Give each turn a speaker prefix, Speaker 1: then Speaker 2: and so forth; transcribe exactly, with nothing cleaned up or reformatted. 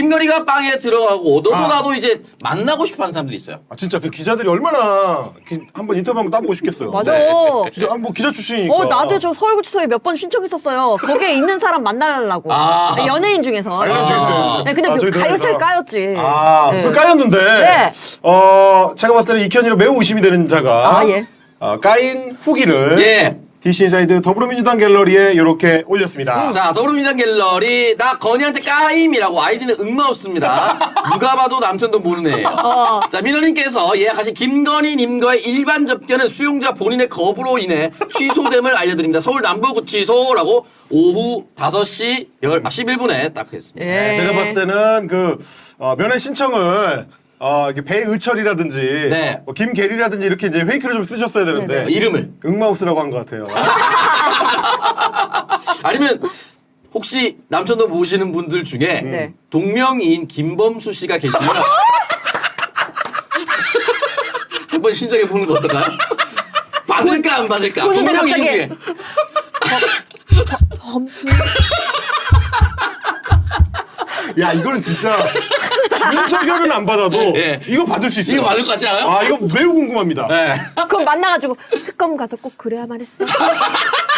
Speaker 1: 김건희가 빵에 들어가고 너도
Speaker 2: 아.
Speaker 1: 나도 이제 만나고 싶어하는 사람들이 있어요.
Speaker 2: 아 진짜 그 기자들이 얼마나 기, 한번 인터뷰 한번 따보고 싶겠어요.
Speaker 3: 맞아.
Speaker 1: 네.
Speaker 2: 진짜 아, 뭐 기자 출신이니까.
Speaker 3: 어, 나도 저 서울구치소에 몇 번 신청했었어요. 거기에 있는 사람 만나려고.
Speaker 1: 아.
Speaker 3: 연예인 중에서.
Speaker 2: 연예인 중에서.
Speaker 3: 네, 근데
Speaker 2: 아, 저희
Speaker 3: 가요차에
Speaker 2: 들어가니까.
Speaker 3: 까였지.
Speaker 2: 아,
Speaker 3: 네.
Speaker 2: 그 까였는데.
Speaker 3: 네.
Speaker 2: 어, 제가 봤을 때는 이현이로 매우 의심이 되는 자가.
Speaker 3: 아, 예.
Speaker 2: 어, 까인 후기를.
Speaker 1: 예.
Speaker 2: 디씨 인사이드 더불어민주당 갤러리에 이렇게 올렸습니다.
Speaker 1: 자, 더불어민주당 갤러리 나 건희한테 까임이라고 아이디는 응마우스입니다. 누가 봐도 남편도 모르는 애예요.
Speaker 3: 어.
Speaker 1: 자, 민호님께서 예약하신 김건희님과의 일반 접견은 수용자 본인의 거부로 인해 취소됨을 알려드립니다. 서울 남부구치소라고 오후 다섯 시 십일 분에 딱 했습니다.
Speaker 3: 예.
Speaker 2: 네, 제가 봤을 때는 그, 어, 면회 신청을 어, 이렇게 배의철이라든지,
Speaker 1: 네.
Speaker 2: 뭐 김계리라든지 이렇게 이제 페이크를 좀 쓰셨어야 되는데.
Speaker 1: 어, 이름을.
Speaker 2: 응마우스라고 한 것 같아요.
Speaker 1: 아니면 혹시 남편도 모시는 분들 중에
Speaker 3: 네.
Speaker 1: 동명이인 김범수 씨가 계시면 한번 신청해 보는 거 어떨까요? 받을까 안 받을까?
Speaker 3: 보는데
Speaker 1: 동명이인
Speaker 3: 갑자기.
Speaker 1: 중에.
Speaker 3: 범수.
Speaker 2: 야, 이거는 진짜. 윤석열은 안 받아도
Speaker 1: 예.
Speaker 2: 이거 받을 수 있어요.
Speaker 1: 이거 받을 것 같지 않아요?
Speaker 2: 아, 이거 매우 궁금합니다.
Speaker 1: 네.
Speaker 3: 그럼 만나가지고 특검 가서 꼭 그래야만 했어.